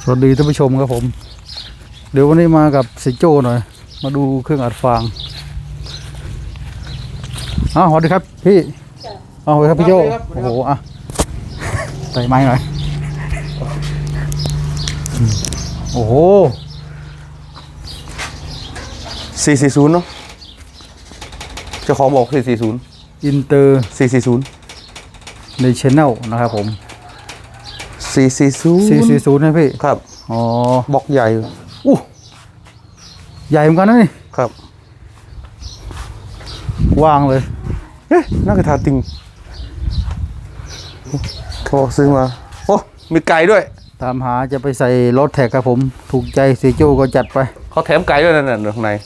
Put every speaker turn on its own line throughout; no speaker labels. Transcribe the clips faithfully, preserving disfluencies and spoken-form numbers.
สวัสดีท่านผู้ชมครับผมเดี๋ยววันนี้มากับสิโจ้หน่อยมาดูเครื่องอัดฟางอ้าวสวัสดีครับพี่อ้าวสวัสดีครับพี่โจ้โอ้โหอ่ะใส่ไม้หน่อยโอ้โห
สี่สี่ศูนย์เนาะเจ้าของบอกสี่สี่ศูนย์
อินเตอร์
สี่สี่ศูนย์
ในชแนลนะครับผม
สี่สี่ศูนย์
สี่สี่ศูนย์นะพี่
ครับ
อ๋อ
บอกใหญ่
อู้ใหญ่เหมือนกันนะนี่
ครับ
วางเลย
เอ๊ะน่ากระทาติงเขาบอกซื้อมาโอ้มีไก่ด้วย
ตามหาจะไปใส่รถแท็กครับผมถูกใจสิโจ้ก็จัดไป
เขาแถมไก่ด้วยนั่นน่ะข้างใน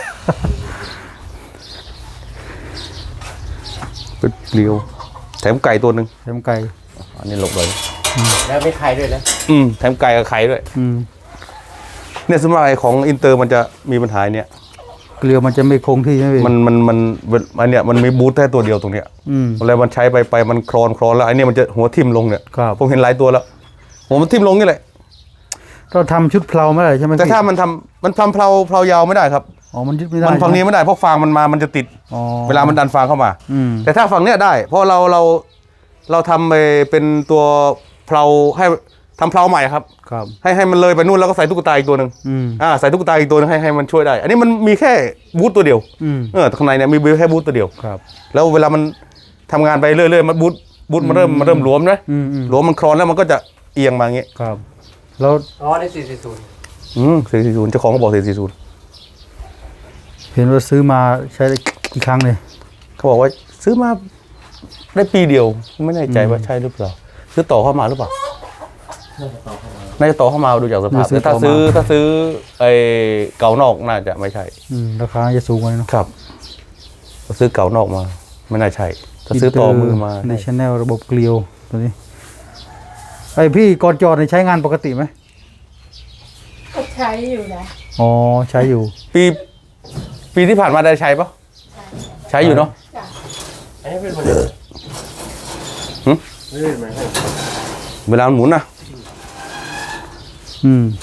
เป็นเปลียวแถมไก่ตัวหนึ่ง
แถมไก่
อันนี้หลบเลย
แล้วไม่ไข่ด้วยนะ
อืมแถมไก่กับไข่ด้วย
อืม
เนี่ยสมัยของอินเตอร์มันจะมีปัญหาเนี่ย
เกลียวมันจะไม่คงที่ใช่ไหม
มันมันมันอันเนี้ยมันมีบูทแค่ตัวเดียวตรงเนี้ย
อืม
แล้วมันใช้ไปไปมันคลอนคลอนแล้วไอ้นี่มันจะหัวทิ่มลงเนี่ย
ครับ
ผมเห็นหลายตัวแล้วหัวมันทิ่มลงนี่แหละ
เราทำชุดเพลาไม่ได้ใช่ไหม
แต่ถ้ามันทำมันทำเพลาเพลายาวไม่ได้ครับ
อ๋อมันยึดไม่ได้
มันฝั่งนี้ไม่ได้เพราะฟางมันมามันจะติดเวลามันดันฟางเข้ามาแต่ถ้าฝั่งเนี้ยได้เพราะเราเราเราทำไปเป็นตัวเพลาให้ทำเพลาใหม่ครับ
ครับ
ให้ให้มันเลยไปนู่นแล้วก็ใส่ตุ๊กตาอีกตัวหนึ่งอ่าใส่ตุ๊กตาอีกตัวนึงให้ให้มันช่วยได้อันนี้มันมีแค่บูทตัวเดียวเออข้างในเนี่ยมีแค่บูทตัวเดียว
ครับ
แล้วเวลามันทำงานไปเรื่อยๆมันบูทบูทมันเริ่มมันเริ่มหลวมนะหลวมมันคลอนแล้วมันก็จะเอียงมาอย่างเงี้ย
ครับแล้ว
อ๋อได้สี่สี่ศูนย์
อืมสี่สี่ศูนย์เจ้าของก็บอกสี่สี่ศูนย์
เห็นว่าซื้อมาใช้กี่ครั้งเลย
เขาบอกว่าซื้อมาได้ปีเดียวไม่แน่ใจว่าใช่หรือเปล่าซื้อต่อเข้ามาหรือเปล่าน่าจะต่อเข้ามาดูจากสภาพแต่ถ้าซื้อถ้าซื้อไอ้เก่านอกน่าจะไม่ใช่
ราคาจะสูงกว่านี้
นะครับถ้าซื้อเก่านอกมาไม่น่าใช่ถ้าซื้อต่อมือมา
ในชแนลระบบเกลียวตัวนี้ไอพี่ก่อนจอดใช้งานปกติไหม
ก็ใช้อยู่นะ
อ๋อใช้อยู่
ปีปีที่ผ่านมาได้ใช้ปะใช้อยู่เนาะ
อันนี้เป็นมันเลย
หืมเวลาหมุนนะ
อืม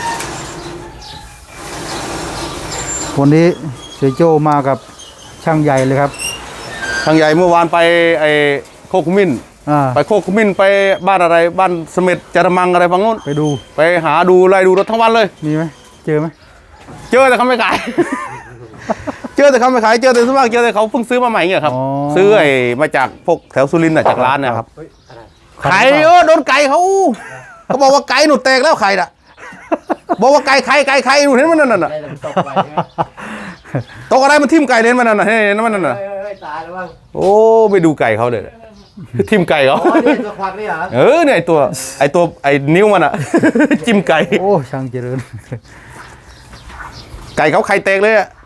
วันนี้เสียโจมากับช่างใหญ่เลยครับ
ช่างใหญ่เมื่อวานไปไอ้โคกมิ้นไปโคกมิ้นไปบ้านอะไรบ้านเสม็ดจารมังอะไรฝั่งนู้น
ไปดู
ไปหาดูไล่ดูรถทั้งวันเลย
มีไหมเจอไหม
เจอแต่เขาไม่ขาย เจอแต่เขาไม่ขายเจอแต่ส่วนมากเจอแต่เขาเพิ่งซื้อมาใหม่เงี้ยครับซื้อไอ้มาจากพวกแถวสุรินทร์จากร้านนะครับไข่เออโดนไก่เขาเขาบอกว่าไก่หนุดแตกแล้วไข่น่ะบอกว่าไก่ไข่ไก่ไข่หนุดเห็นมันนั่นน่ะตกอะไรมันทิ่มไก่เล่นมันนั่นน่ะเห็นมันนั่นน่ะ
ตายแล้วบ้าง
โอ้ไปดูไก่เขาเลยทิ่มไก่เขา
ตัวควักนี่เหรอ
เออเนี่ยไอตัวไอตัวไอนิ้วมันอ่ะจิ้มไก่
โอ้ช่างเจริญ
ไก่เขาไข่แตกเลยอ่ะ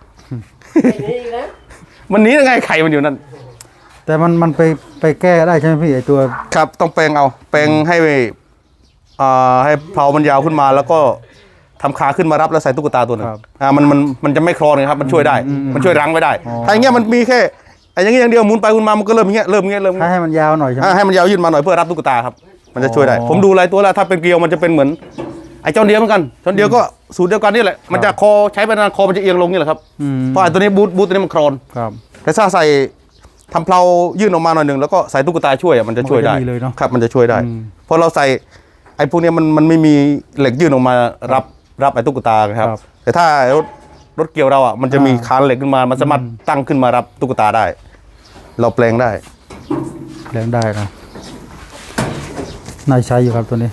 มันนี้ยังไงไข่มันอยู่นั่น
แต่มันมันไปไปแก้ได้ใช่ไหมพี่ไอตัว
ครับต้องแปลงเอาแปลงให้อ่าให้เพลามันยาวขึ้นมาแล้วก็ทำขาขึ้นมารับแล้วใส่ตุ๊กตาตัวนึงอ่ามันมันมันจะไม่คลอนเลยครับมันช่วยได้มันช่วยรั้งไว้ได้ถ้าอย่างเงี้ยมันมีแค่ไอ้อย่างเงี้ยอย่างเดียวหมุนไปหมุนมามันก็เริ่มอย่างเงี้ยเริ่มอย่างเงี้ยเริ่ม
ให้มันยาวหน่อยใช่ไหม
ให้มันยาวยื่นมาหน่อยเพื่อรับตุ๊กตาครับมันจะช่วยได้ผมดูหลายตัวแล้วถ้าเป็นเกลียวมันจะเป็นเหมือนไอ้เจ้าเดียวเหมือนกันเจ้าเดียวก็สูตรเดียวกันนี่แหละมันจะคอใช้ไปนานคอมันจะเอียงลงนี่แหละครับเพราะไอ้ตัวนี้บูทบูทตัวนี้มันคลอนแต่ถ้าใส่ทำเพลายื่นออกมาหน่อยหนึ่งแล้วก็ใส่ตุ๊กตาช่วยอ่ะมันจะช่วยได้ครับมันจะช่วยได้เพราะเราใส่ไอ้พวกนี้มันมันไม่มีเหล็กยื่นออกมารับรับไอ้ตุ๊กตาครับแต่ถ้ารถรถเกี่ยวเราอ่ะมันจะมีคานเหล็กขึ้นมามันสามารถตั้งขึ้นมารับตุ๊กตาได้เราแปลงได้
แปลงได้นะน่าใช้อยู่ครับตัวนี้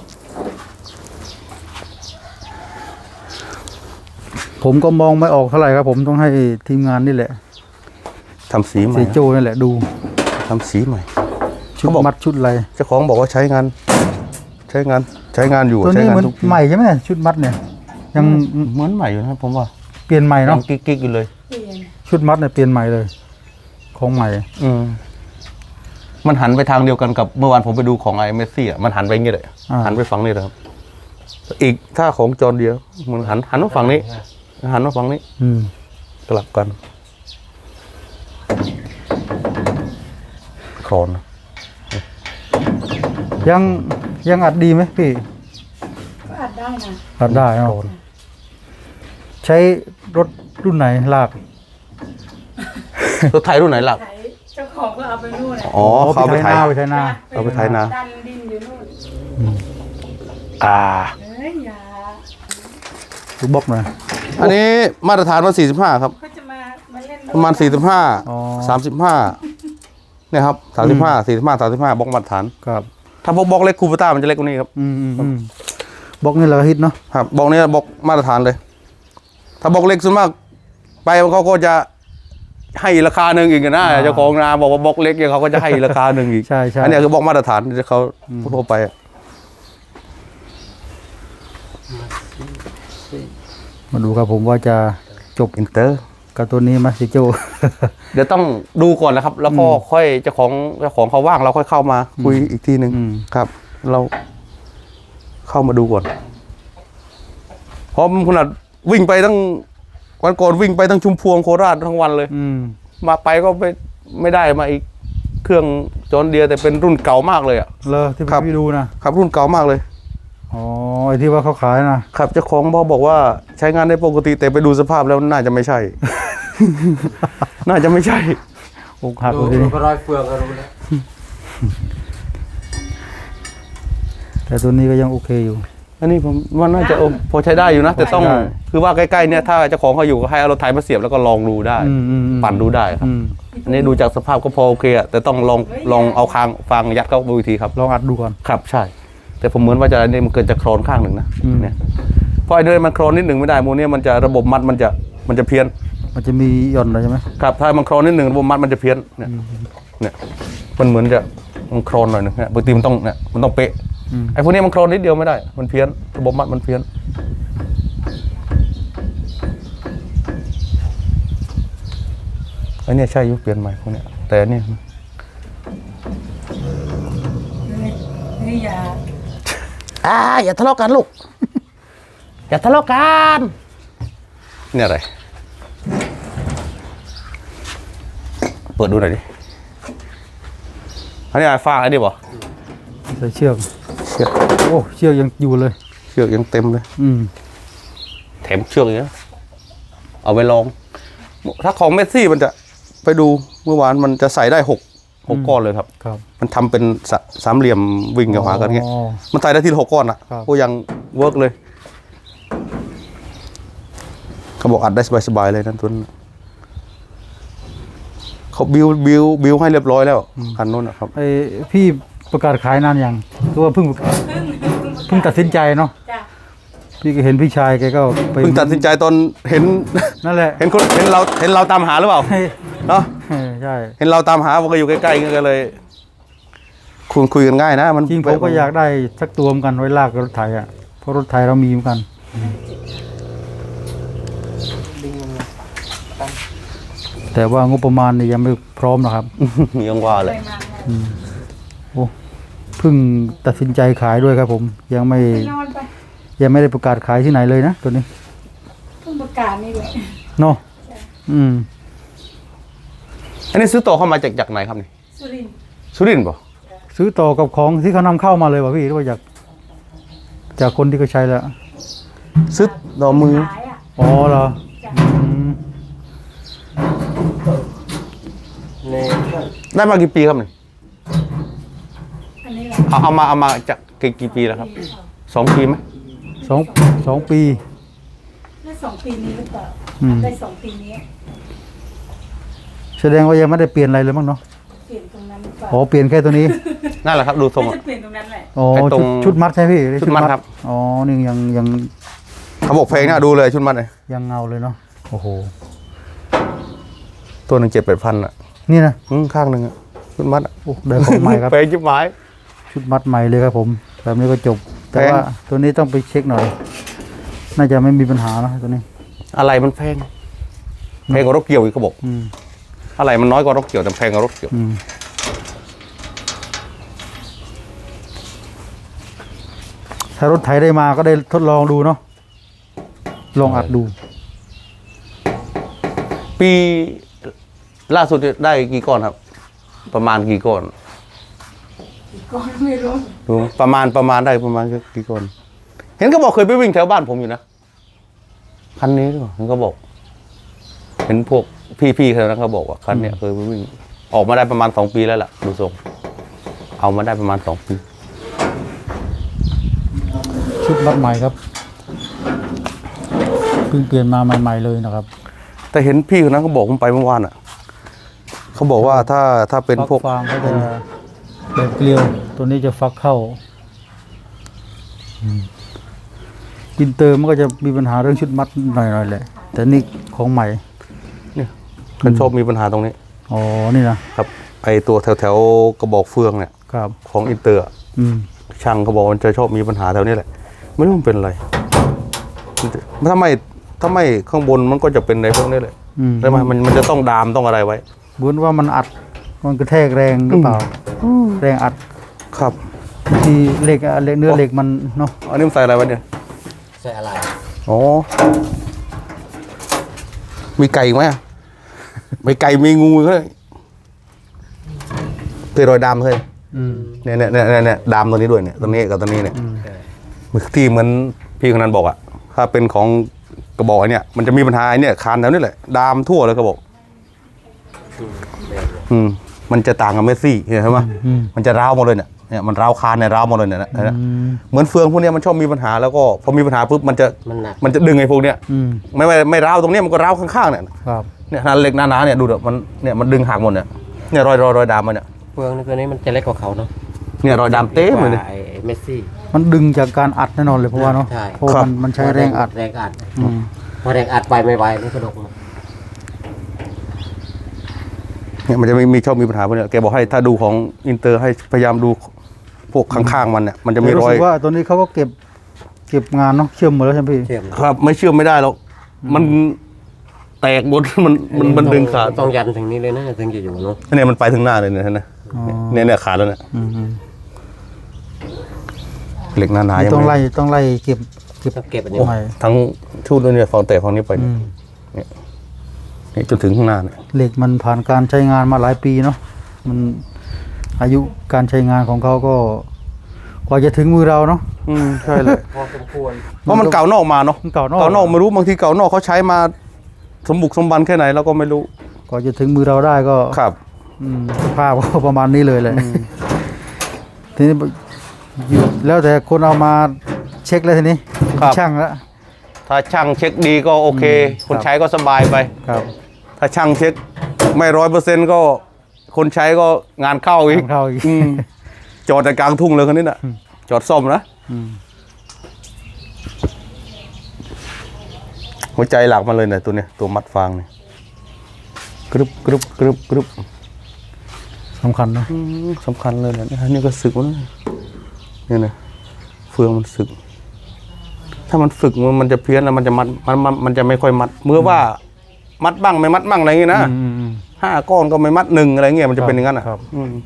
ผมก็มองไม่ออกเท่าไหร่ครับผมต้องให้ทีมงานนี่แหละ
ทำสีใหม่
สีโจนี่แหละดู
ทำสีใหม่
ชุดมัดชุดอะไร
เจ้าของบอกว่าใช้งานใช้งานใช้งานอยู่
ตัวนี้เหมือนใหม่ใช่ไหมชุดมัดเนี่ยยัง
เหมือนใหม่อยู่นะผมว่า
เปลี่ยนใหม่เนาะ
กิ๊กๆอยู่เลย
ชุดมัดเนี่ยเปลี่ยนใหม่เลยของใหม่
อืมมันหันไปทางเดียวกันกับเมื่อวานผมไปดูของไอเมสซี่อ่ะมันหันไปอย่างนี้เลยหันไปฝั่งนี้เลยครับอีกถ้าของจอนเดียวมันหันหันมาฝั่งนี้หันมาฝั่งนี้
อืม
กลับกันคลอน
ยังยังอัดดีไหมพี่
อัดได้นะ
รับได้เนาะใช้รถรุ่นไหนลาก
รถไถรุ่นไหนหลัก
ไถเจ้าของก็เอาไปนู่นน่ะ
อ๋อเขาเอาไปไถ
หน้าไปใช้หน้า
เอาไปไถนา
ดันดินอยู่นู่น
อ่า
เอ้ยอย่า
ดูบล็อกหน่อย
อันนี้มาตรฐานว่าสี่สิบห้าครับ
เขาจะมามาเล่น
ประมาณสี่สิบห้า
อ๋อ
สามสิบห้าเนี่ยครับสามสิบห้าสี่สิบห้าสามสิบห้าบล็อกมาตรฐาน
ครับ
ถ้าบล็อกบล็อกเล็กคูปต้ามันจะเล็กกว่านี้ครับ
อืมอืมอืมบล็อกนี่เราก็ฮิตเนาะ
ครับบล็อกนี้บล็อกมาตรฐานเลย ถ้าบล็อกเล็กส่วนมากไปเขาก็จะให้ราคาหนึ่งอีกนะเจ้าของนาบอกว่าบล็อกเล็กเนี่ยเขาก็จะให้ราคาหนึ่งอีก
ใช่ใช่
อันนี้คือบล็อกมาตรฐานที่เขาทั่วไปอะ
มาดูครับผมว่าจะจบ
อินเตอร์
กับตัวนี้ไหมสิโจ
เดี๋ยวต้องดูก่อนนะครับ แล้วก็ค่อยเจ้าของเจ้าของเขาว่างเราค่อยเข้ามาคุยอีกทีหนึ่ง
อืม
ครับ เราเข้ามาดูก่อนเพราะมันขนาดวิ่งไปตั้งวันก่อนวิ่งไปตั้งชุมพวงโคราชทั้งวันเลย
อืม
มาไปก็ไม่ไม่ได้มาอีกเครื่องจอนเดียแต่เป็นรุ่นเก่ามากเลยอ่ะ
เลยที่
ครับ
พี่ดูนะครับ
รุ่นเก่ามากเลย
อ๋อไอที่ว่าเขาขายนะครับ
เจ้าของบอกบอกว่าใช้งานได้ปกติแต่ไปดูสภาพแล้วน่าจะไม่ใช่ น่าจะไม่ใช่
อกหัก
ดู
เลยที
ดู
นี้
ก็รอยเฟืองก็รู้แล้ว
แต่ตัวนี้ก็ยังโอเคอยู่
อันนี้ผมว่าน่าจะโอพอใช้ได้อยู่นะ แต่ต้อง
ใช่
คือว่าใกล้ๆเนี่ยถ้าเจ้าของเขาอยู่ก็ให้เอารถไถมาเสียบแล้วก็ลองดูได้
อืมอืมอืม
ปั่นดูได้ครับ
อืม
อันนี้ดูจากสภาพก็พอโอเคอะแต่ต้องลองลองเอาคางฟางยัดเข้าไปอีกทีครับ
ลองอัดดูก่อน
ครับใช่ แต่ผมเหมือนว่าจะอันนี้มันเกิดจะโครนข้างหนึ่งนะ
อืม
เนี่ยเพราะไอ้เดินมันโครนนิดหนึ่งไม่ได้โมเนี่ยมันจะระบบมัดมันจะมันจะเพี้ยน
มันจะมีหย่อนอะไรใช่ไหม
ครับถ้ามันโครนนิดหนึ่งระบบมัดมันจะเพี้ยนเนี่ยเนี่ยมันเหมือนจะมันโครนหน่อยหนึงเนี่ยบางทีมันต้องเนี่ยมันต้องเป๊ะ
อืม
ไอ้พวกนี้มันโครนนิดเดียวไม่ได้มันเพี้ยนระบบมัดมันเพี้ยนไอ้เนี่ยใช่ยุคเปลี่ยนใหม่พวกเนี้ยแต่อันเนี่ย
นี่อย่า
อ่าอย่าทะเลาะกันลูก อย่าทะเลาะกันเนี่ยอะไรเปิดดูหน่อยดิอันนี้ไอ้ฟางไอ้ดิบ่
ใส่เชือก
เชือก
โอ้เชือกยังอยู่เลย
เชือกยังเต็มเลย
อืม
แถมเชือกอย่างเงี้ยเอาไปลอง ถ้าของเมสซี่มันจะไปดูเมื่อวานมันจะใส่ได้หกหกก้อนเลยครับ
ครับ
มันทำเป็นสะสามเหลี่ยมวิ่งกับหากันเงี้ย
อ๋อ
มันใส่ได้ทีละหกก้อนอ่ะ
ครับ
ก็ยังเวิร์กเลย เขาบอกอัดได้สบายๆเลยนั่นตัวนั้นเขาบิวบิวบิวให้เรียบร้อยแล้วคันนู้นนะครับ
ไอพี่ประกาศขายนานยังคือว่าเพิ่งเพิ่งตัดสินใจเนาะ
จ้ะ
พี่ก็เห็นพี่ชายแกก็ไป
เพิ่งตัดสินใจตอนเห็น
นั่นแหละ
เห็นคนเห็นเราเห็นเราตามหาหรือเปล่า
ให้
เนาะ
เออใช่
เห็นเราตามหาผมก็อยู่ใกล้ๆกันเลยคุยคุยกันง่ายนะมัน
จริงผมก็อยากได้สักตัวเหมือนกันไว้ลากกับรถไถอ่ะเพราะรถไถเรามีเหมือนกัน แต่ว่างบประมาณเนี่ยยังไม่พร้อมนะครับ
ยังว่าเลย
ไปมา
โอ้เพิ่งตัดสินใจขายด้วยครับผม ยังไม่
ไปนอนไป
ยังไม่ได้ประกาศขายที่ไหนเลยนะตัวนี้
เพิ่งประกาศนี่แหละ
เนาะอืม
อันนี้ซื้อต่อเข้ามาจากจากไหนครับนี่
สุรินทร์
สุรินทร์ป่ะ
ซื้อต่อกับของที่เขานำเข้ามาเลยวะพี่หรือว่าจากจากคนที่เขาใช้แล้ว
ซื้อต่อมือ
ขายอ่ะ
อ๋อเหรอ
จ้ะ
อืม
ใน
ได้มากี่ปีครับนี่
อันนี้แหละ
เอาเอามาเอามาจากกี่กี่ปีแล้วครับสองปีไหม
สองสองปี
ได้สองปีนี้หรือเปล่า
อืม
ได้สองปีนี้
แสดงว่ายังไม่ได้เปลี่ยนอะไรเลยมั้งเนาะ
เปลี่ยนตรงนั้นหรือเปล่า
อ๋อเปลี่ยนแค่ตัวนี้
นั่นแหละครับดูทรง
ไม่
อะ
จะเปลี่ยนตรงนั้นแหละ
อ๋อ
ไอ้ตร
ชุ
ง
ดชุดมัดใช่พี่
ชุดมัดครับ
อ๋อนี่ยังยัง
เขาบอกเพลงนะดูเลยชุดมันเลย
ยังเงาเลยเนาะโอ้โห
ตัวหนึ่งเจ็ดแปดพันอ่ะ
นี่นะ
อืมข้างหนึ่งอ่ะชุดมัดอะ
โอ้ได้ของใหม่ครับ
เพลงจิ๊บไม้
ชุดมัดใหม่เลยครับผมแบบนี้ก็จบ แต่
แพง
ว่าตัวนี้ต้องไปเช็คหน่อย น่าจะไม่มีปัญหานะตัวนี้
อะไรมันแพงแพงกว่ารถเกี่ยวอีกเขาบอก
อืม
อะไรมันน้อยกว่ารถเกี่ยวแต่แพงกว่ารถเกี่ยว
อืมถ้ารถไถได้มาก็ได้ทดลองดูเนาะลองอัดดู
ปีล่าสุดได้กี่ก้อนครับ ประมาณกี่ก้อน
ก็ไม่รู้
ดูประมาณประมาณได้ประมาณกี่ก้อนเห็นก็บอกเคยไปวิ่งแถวบ้านผมอยู่นะคันนี้หรือเปล่าเห็นก็บอก เห็นพวกพี่ๆแถวนั้นเขาบอกว่าคันเนี้ยเคยไปวิ่งออกมาได้ประมาณสองปีแล้วล่ะดูทรงเอามาได้ประมาณสองปี
ชุดมัดใหม่ครับเพิ่งเปลี่ยนมาใหม่ๆเลยนะครับ
แต่เห็นพี่คนนั้นเขาบอกผมไปเมื่อวานอ่ะเขาบอกว่าถ้าถ้าเป็นพวก
ฟางเขาจะแบบเกลียวตัวนี้จะฟักเข้าอินเตอร์มันก็จะมีปัญหาเรื่องชุดมัดหน่อยๆแหละแต่นี่ของใหม่
เนี่ยมันชอบมีปัญหาตรงนี้
อ๋อนี่นะครับ
ไอตัวแถวแถวๆกระบอกเฟืองเนี่ย
ครับ
ของอินเตอร์อะ
อืม
ช่างเขาบอกมันจะชอบมีปัญหาแถวนี้แหละไม่รู้มันเป็นอะไรถ้าไม่ถ้าไม่ข้างบนมันก็จะเป็นในพวกนี้เลย
อืม
ได้ไหมมันมันจะต้องดามต้องอะไรไว้
บุญว่ามันอัดมันกระแทกแรงหรือเปล่าแรงอัด
ครับ
บางทีเหล็กอะเหล็กเนื้อเหล็กมันเนาะ
อันนี้มันใส่อะไรไว้เนี่ย
ใส่อะไร
อ๋อมีไก่ไหมอะมีไก่มีงูก็เลยเคยรอยดามเคย
อืม
เนี่ยเนี่ยเนี่ยเนี่ยดามตัวนี้ด้วยเนี่ยตัวนี้กับตัวนี้เนี่ยที่เหมือนพี่คนนั้นบอกอะถ้าเป็นของกระบอกไอ้เนี่ยมันจะมีปัญหาไอ้เนี่ยคานแถวนี้แหละดามทั่วเลยกระบอกอืมมันจะต่างกับเมสซี่เห็นไหม
อืม
มันจะร้าวหมดเลยเนี่ยเนี่ยมันร้าวคานเนี่ยร้าวหมดเลยเนี่ยนะนะ
อืม
เหมือนเฟืองพวกเนี้ยมันชอบมีปัญหาแล้วก็พอมีปัญหาปุ๊บมันจะ
มันหนัก
มันจะดึงไอ้พวกเนี้ย
อืม
ไม่ไม่ไม่ร้าวตรงเนี้ยมันก็ร้าวข้างๆเนี่ย
ครับ
เนี่ยขนาดเหล็กหนาๆเนี่ยดูเถอะมันเนี่ยมันดึงหักหมดเนี่ยเนี่ยรอยรอยรอยดามมันเนี่ย
เฟืองนี่ตัวนี้มันจะเล็กกว่าเขาเนาะ
เนี่ยรอยดามเต็มเลย
ก
เนี่ย
ว่าไอ้ไอ้เมสซี่
มันดึงจากการอัดแน่นอนเลยเพราะว่าเนาะ
ใช่
เพราะ
ครับ
มันมันใช้แรงอัด
แรงอัด
อืม
พอแรงอัดไปไม่ไหวมันกระดกมา
เนี่ยมันจะมีมีชอบมีปัญหาพวกเนี้ยแกบอกให้ถ้าดูของอินเตอร์ให้พยายามดูพวกข้างๆมันเนี่ยมันจะมีร
รู้
อย
สึกว่าตัวนี้เขาก็เก็บเก็บงานเนาะเชื่อมหมดแล้วใช่ไหมพี่
เชื่อม
ครับไม่เชื่อมไม่ได้หรอกมันแตกหมด มันมันมันดึงขาด
ต้องยันถึงนี้เลยนะถึงจะอยู่เนาะ
เนี่ยมันไปถึงหน้าเลยเนี่ยเห็นไหม
อ๋อ
เนี่ยเนี่ยขาดแล้วเนี่ย
อืมอืม
เหล็กหนาๆยัง
ต้อง
ไม่
ไล่ต้องไล่เก็บเก็บ
ต้องเก็บอันนี้
ใหม่
ทั้งชุดด้วยเนี่ยฝั่งแตกฝั่งนี้ไป
อื
เนี่ย
ม
เนี่ยจนถึงข้างหน้าเนี่ย
เหล็กมันผ่านการใช้งานมาหลายปีเนาะมันอายุการใช้งานของเขาก็กว่าจะถึงมือเราเนาะ
อืมใช่เลย
พอสมควร
เพราะมันเก่านอกมาเนาะ
มันเก่านอก
เก่านอกไม่รู้บางทีเก่านอกเขาใช้มาสมบุกสมบันแค่ไหนเราก็ไม่รู้
กว่าจะถึงมือเราได้ก็
ครับ
อืมสภาพก็ประมาณนี้เลยแหละทีนี้อยู่แล้วแต่คนเอามาเช็คแล้วทีนี้
ครับ
ช่างแล้ว
ถ้าช่างเช็คดีก็โอเค
อืม
คนใช้ก็สบายไป
ครับ
ถ้าช่างเช็คไม่ร้อยเปอร์เซ็นต์ก็คนใช้ก็งานเข้าอีก
ทางเข้าอีก
อืมจอดแต่กลางทุ่งเลยคนนี้น่ะ จอดซ่อมนะ
อืม
หัวใจหลักมันเลยเนี่ยตัวเนี้ยตัวมัดฟางเนี่ยกรึบกรึบกรึบกรึบ
สำคัญเนาะ
อืมสำคัญเลยเนี่ยนี่ก็สึกมันเนี่ยนะเฟืองมันสึก ถ้ามันฝึกมันมันจะเพี้ยนแล้วมันจะมัดมันมันมันจะไม่ค่อยมัดเมื่อว่า มัดบ้างไม่มัดบ้างอะไรอย่างงี้นะ
อืมอืม
ห้าก้อนก็ไม่มัดหนึ่งอะไรเงี้ยมันจะเป็นอย่างนั้นอ่ะ
ครับ
อืม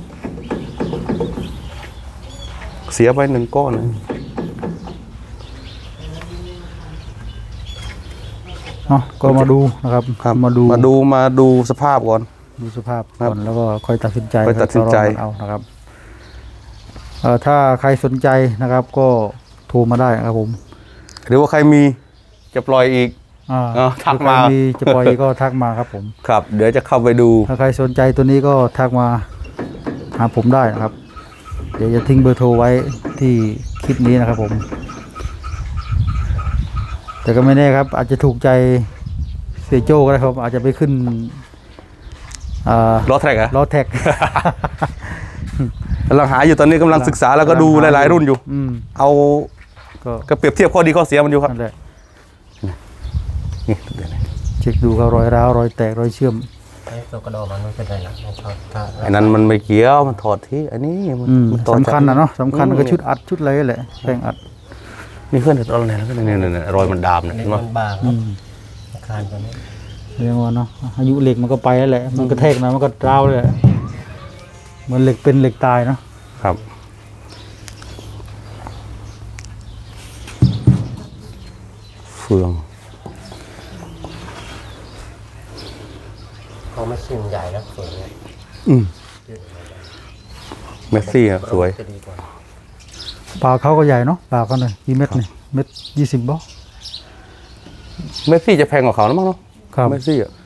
เสียไปหนึ่งก้อนเลย
เนาะก็มาดูนะครับ
ครับ
มาดู
มาดูมาดูสภาพก่อน
ดูสภาพ
ครั
ก่
บ
อนแล้วก็ค่อยตัดสินใจ
ค่อยตัดสินใจ
ค่อยต่อรองกันเอานะครับเอ่อถ้าใครสนใจนะครับ ก็โทรมาได้นะครับผม
หรือว่าใครมีจะปล่อยอีก
อ่า
เออทักมา
ถ้ใครจะปล่อยก็ทักมาครับผม
ครับ เดี๋ยวจะเข้าไปดู
ถ้าใครสนใจตัวนี้ก็ทักมาหาผมได้นะครับ เดี๋ยวจะทิ้งเบอร์โทรไว้ที่คลิปนี้นะครับผม แต่ก็ไม่แน่ครับ อาจจะถูกใจเสียโจ้ก็ได้ครับ อาจจะไปขึ้นอ่า
ล้อแทร็กอะ
ล้อแท็ก
กำลังหาอยู่ตอนนี้กำลังศึกษาแล้วก็ดูหลายๆรุ่นอยู่
อืม
เอา
ก็
ก็เปรียบเทียบข้อดีข้อเสียมันอยู่ครับ
นั่นแหละ
นี่เดี๋ยวนะ
เช็คดูครับรอยร้าวรอยแตกรอยเชื่อม
ไอ้ตัวกระดอกมันไม่เป็นไรหรอกถ้าถ้า
ไอ้นั้นมันไม่เกี่ยวมันถอดที่อันนี้มัน
อืม
มันต่อ
สำคัญนะเนาะสำคัญ
อืม
ก็ชุดอัดชุดอะไรแหละแป้งอัด
นี่เพื่อนเด็ดอะไรแล้วก็เนี่ยเนี่ยเนี่ยรอยมันดามเนี่ย
เล็
เห็
ก
นไหม
มันบางค
อื
รับ
ม
อาคารตัวนี้
เรียกว่าเนาะอายุเหล็กมันก็ไปแล้วแหละ มันกระแทกหนะมันก็ร้าวเลยแหละเหมือนเหล็กเป็นเหล็กตายเนาะ
ครับ เฟือง
เขาไม่ชิมใหญ่แล้วสวยเนี่ย
อืมเมสซี่อะสวย
จะดีกว่า
ปากเขาก็ใหญ่เนาะปากเขาหน่อยกี่เม็ดนี่เม็ดยี่สิบบ่
เมสซี่จะแพงกว่าเขานะมั้งเนาะ
ครับ
เมสซี่อะ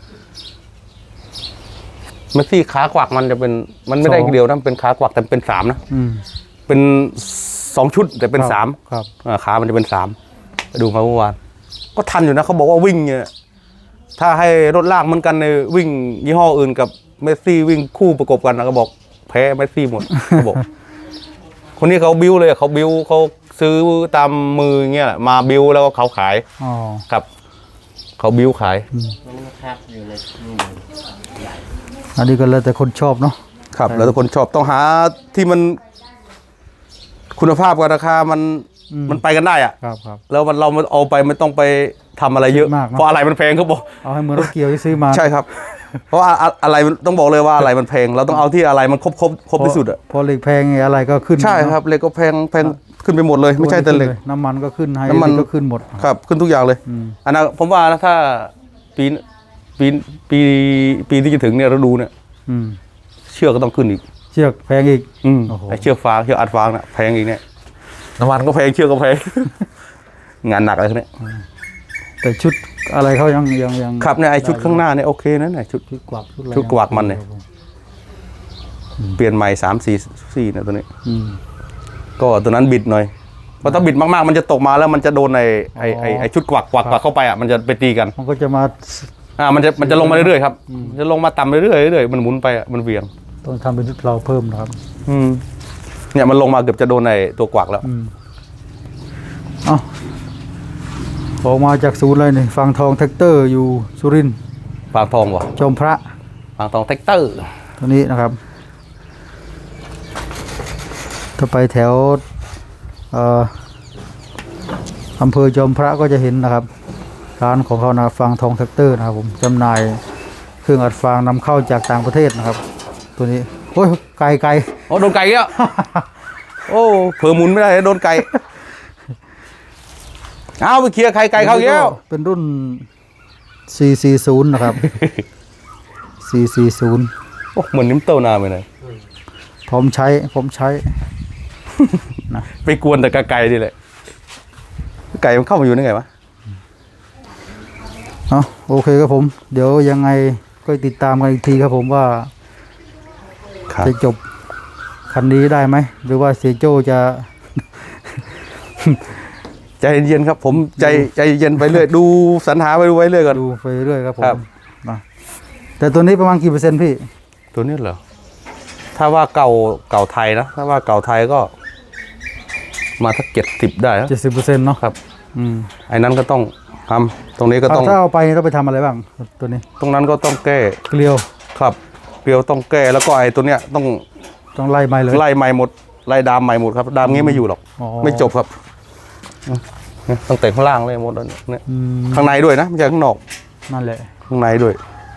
เมสซี่ขากวักมันจะเป็นมันไม่ได้
สอง
เดียวนะเป็นขากวักแต่เป็นสามนะ
อืม
เป็นสองชุดแต่เป็น
ครับ
สาม
ครับ
อ่าขามันจะเป็นสามไปดูมาเมื่อวานก็ทันอยู่นะเขาบอกว่าวิ่งเนี่ยถ้าให้รถลากเหมือนกันในวิ่งยี่ห้ออื่นกับเมสซี่วิ่งคู่ประกบกันนะก็บอกแพ้เมสซี่หมดเขาบอก คนนี้เขาบิ้วเลยเขาบิ้วเขาซื้อตามมือเงี้ยแหละมาบิ้วแล้วก็เขาขาย
อ๋อ
ครับเขาบิ้วขาย
มันนะครับอยู่ในนี่
อันนี้ก็แล้วแต่คนชอบเนาะ
ครับ แล้วทุกคนชอบต้องหาที่มันคุณภาพกับราคามันมันไปกันได้อะ
ครับครับ
แล้วมันเรามันเอาไปไม่ต้องไปทำอะไรเยอะ
มากเนอะ
เพราะอะไรมันแพงเขาบอก
เอาให้เหมือนรถเกี่ยวที่ซื้อมา
ใช่ครับ เพราะว่าอะอะไรมันต้องบอกเลยว่าอะไรมันแพงเราต้องเอาที่อะไรมันครบครบครบที่สุดอ่ะ
พอเหล็กแพงไงอะไรก็ขึ้น
ใช่ครับเหล็กก็แพงแพงขึ้นไปหมดเลย ไม่ใช่แต่เหล็ก
น้ำมันก็ขึ้นไฮ
น้ำมัน
ก็ขึ้นหมด
ครับ ขึ้นทุกอย่างเลย
อืม
อันนั้นผมว่านะถ้าปีปีปีปีที่จะถึงเนี่ยเราดูเนี่ย
อืม
เชือกก็ต้องขึ้นอีก
เชือกแพงอีก
อืม
โอ้โห
ไอเชือกฟางเชือกอัดฟางน่ะแพงอีกเนี่ยน้ำมันก็แพงเชือกก็แพง งานหนักอะไรพวกเนี้ย
แต่ชุดอะไรเขายังยังยัง
ครับเนี่ยไอชุดข้างหน้าเนี่ยโอเคนะเนี่ยชุด
ชุดกวักชุดอะไร
ชุดกวักมันเนี่ย เปลี่ยนใหม่สามสี่สี่เนี่ยตัวนี้
อืม
ก็ตัวนั้นบิดหน่อยเพราะถ้าบิดมากๆมันจะตกมาแล้วมันจะโดนไอไอไอไอชุดกวักกวักกวักเข้าไปอ่ะมันจะไปตีกัน
มันก็จะมา
อ่ามันจะมันจะลงมาเรื่อยๆครับจะลงมาต่ำเรื่อยๆเรื่อยๆมันหมุนไปอ่ะมันเหวี่ยง
ต้องทำเป็นชุดเราเพิ่มนะครับ
อืมเนี่ยมันลงมาเกือบจะโดนไอตัวกวักแล้ว
อืมเอ้าออกมาจากศูนย์เลยนี่ฟังทองแท็กเตอร์อยู่สุรินทร์
ฟางทองวะ
จอมพระ
ฟางทองแท็กเตอร์
ตัวนี้นะครับถ้าไปแถวเอ่ออำเภอจอมพระก็จะเห็นนะครับร้านของเขานะฟางทองแท็กเตอร์นะครับผมจำหน่ายเครื่องอัดฟางนำเข้าจากต่างประเทศนะครับ ตัวนี้โอ้ยไกลไกล
โอ้โดนไก่แล้ว โอ้เผลอหมุนไม่ได้โดนไก่เอาไปเคลียร์ไข่ไก่เขาอีกแล้ว
เป็นรุ่น สี่สี่ศูนย์ นะครับ สี่สี่ศูนย์
โอ้เหมือนนิ้มเต้านาไปเลย
ผมใช้ผมใช้
ไปกวนแต่กะไก่ดิแหละไก่มันเข้ามาอยู่ได้ไงวะ
เอาโอเคครับผม เดี๋ยวยังไงก็ติดตามกันอีกทีครับผมว่า
ครับ
จะจบคันนี้ได้ไหม หรือว่าเสียโจจะ
ใจเย็นครับ ผมใจใจเย็นไปเรื่อยดูสรรหาไปดูไว้เรื่อยก่อน
ดูไปเรื่อยครับผม
ครับ
นะแต่ตัวนี้ประมาณกี่เปอร์เซ็นต์พี่
ตัวนี้เหรอถ้าว่าเก่าเก่าไทยนะถ้าว่าเก่าไทยก็ มาสักเจ็ดสิบได้นะ
เจ็ดสิบเปอร์เซ็นต์เนาะ
ครับ
อืม
ไอ้นั้นก็ต้องทำตรงนี้ก็ต้อง
ถ้าเอาไปต้องไปทำอะไรบ้าง ตัวนี้
ตรงนั้นก็ต้องแก้
เกลียว
ครับเกลียวต้องแก้แล้วก็ไอ้ตัวเนี้ยต้อง
ต้องไล่ไม้เลย
ไล่ใหม่หมดไล่ดามใหม่หมดครับดามงี้ไม่อยู่หรอก
อ๋อ
ไม่จบครับเนี่ยตั้งแต่ข้างล่างเลยหมดแล้วเนี่ย
อืม
ข้างในด้วยนะไม่ใช่ข้างนอก
นั่นแหละ
ข้างในด้วย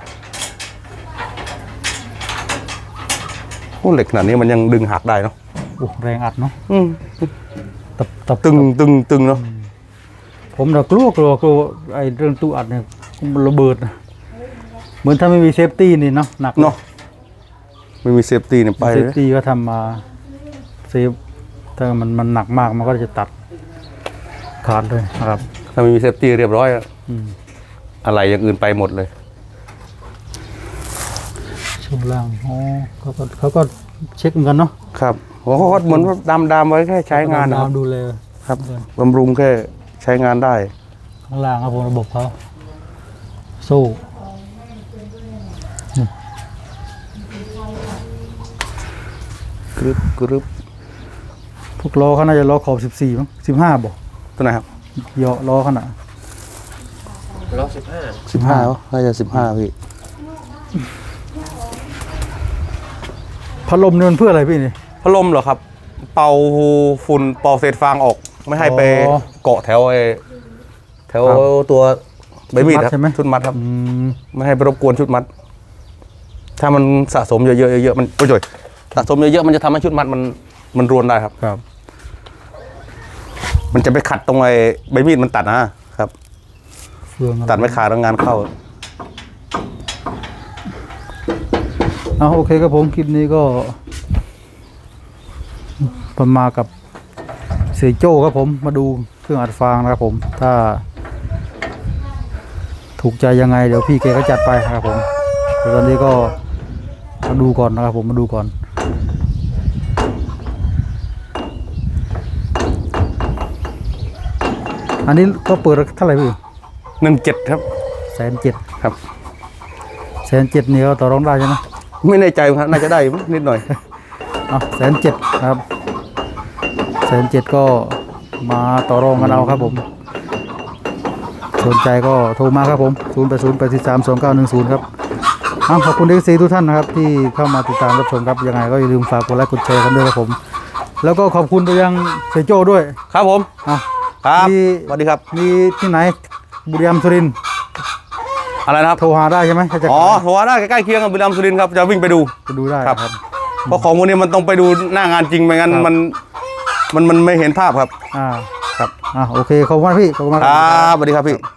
โอ้เหล็กขนาดนี้มันยังดึงหักได้เนาะ
โอ้แรงอัดเนาะ
อืม
ตับตับ
ตึงตึงตึงเนาะ
ผมเรากลัวกลัวกลัวไอ้เรื่องตู้อัดเนี่ยมันระเบิดนะเหมือนถ้าไม่มีเซฟตี้นี่เนาะหนัก
เนาะไม่มีเซฟตี้เนี่ยไป
เซ
เล
ฟ
ย
ตี้ก็ทำมาเซฟถ้ามันมันหนักมากมันก็จะตัดขาดเลยนะครับ
ถ้าไม่มีเซฟตี้เรียบร้อยอะ
อืม
อะไรอย่างอื่นไปหมดเลย
ช่วงล่างอ๋อเขาก็เขาก็เช็คเหมือนกันเนาะ
ครับโอ้โหเหมือนว่าดามดามไว้แค่ใช้งานนะครับ
ดูแล
ครับบำรุงแค่ใช้งานได้
ข้างล่างครับผมระบบเขาโซ่
กรึบกรึบ
พวกล้อเขาน่าจะล้อขอบสิบสี่มั้งสิบห้าบอก
ตัวไหนครับ
เหยาะล้อขนาด
ร้อยสิบห้า
สิบห้าน่าจะสิบห้าพี่
พัดลมเนี่ยมันเพื่ออะไรพี่นี่
พัดลมเหรอครับ เป่าฝุ่นเป่าเศษฟางออก ไม่ให้ไป
อ๋อ
เกาะแถวไอ้แถว
ครับ
ตัวใบมีดครับ
ชุดมัดใช่ไหม
ชุดมัดครับ
อืม
ไม่ให้ไปรบกวนชุดมัด ถ้ามันสะสมเยอะๆเยอะๆมันโอ้ยจ่อยสะสมเยอะๆมันจะทำให้ชุดมัดมันมันรวนได้ครับ
ครับ
มันจะไปขัดตรงไอ้ใบมีดมันตัดนะครับ
เฟืองอะไร
ตัดไม่ขาดแล้วงานเข้า
เอาโอเคครับผมคลิปนี้ก็ประมาณกับสียโจ้ครับผมมาดูเครื่องอัดฟางนะครับผมถ้า ถูกใจยังไงเดี๋ยวพี่แกก็จัดไปนะครับผมแต่ตอนนี้ก็มาดูก่อนนะครับผมมาดูก่อนอันนี้ก็เปิดเท่าไหร่พี่
หนึ่งเจ็ดครับ
แสนเจ็ด
ครับ
แสนเจ็ดนี่ก็ต่อรองได้ใช่ไหม
ไม่แน่ใจครับน่าจะได้นิดหน่อย
อ่ะแสนเจ็ดนะครับแสนเจ็ดก็มาต่อรองกันเอาครับผมสนใจก็โทรมาครับผมศูนย์แปดศูนย์แปดสี่สามสองเก้าหนึ่งศูนย์ครับอ้าวขอบคุณเอฟซีทุกท่านนะครับที่เข้ามาติดตามรับชมครับยังไงก็อย่าลืมฝากกดไลค์กดแชร์กันด้วยครับผมแล้วก็ขอบคุณไปยังเซโจ้ด้วย
ครับผม
อ่ะ
ครับ
มี
สวัสดีครับ
มีที่ไหนบุรีรัมย์สุรินทร์
อะไรนะครับ
โทรหาได้ใช่ไหมถ้าจะ
อ๋อโทรได้ใกล้ๆเคียงกับบุรีรัมย์สุรินทร์ครับจะวิ่งไปดู
ไปดูได้
ครับ
ครับ
เพราะของพวกนี้มันต้องไปดูหน้างานจริงไม่งั้น
ครับ
มันมันมันไม่เห็นภาพครับ
อ่า
ครับ
อ่าโอเคขอบคุณมากพี่ขอบคุณมาก
ครับสวัสดีครับพี่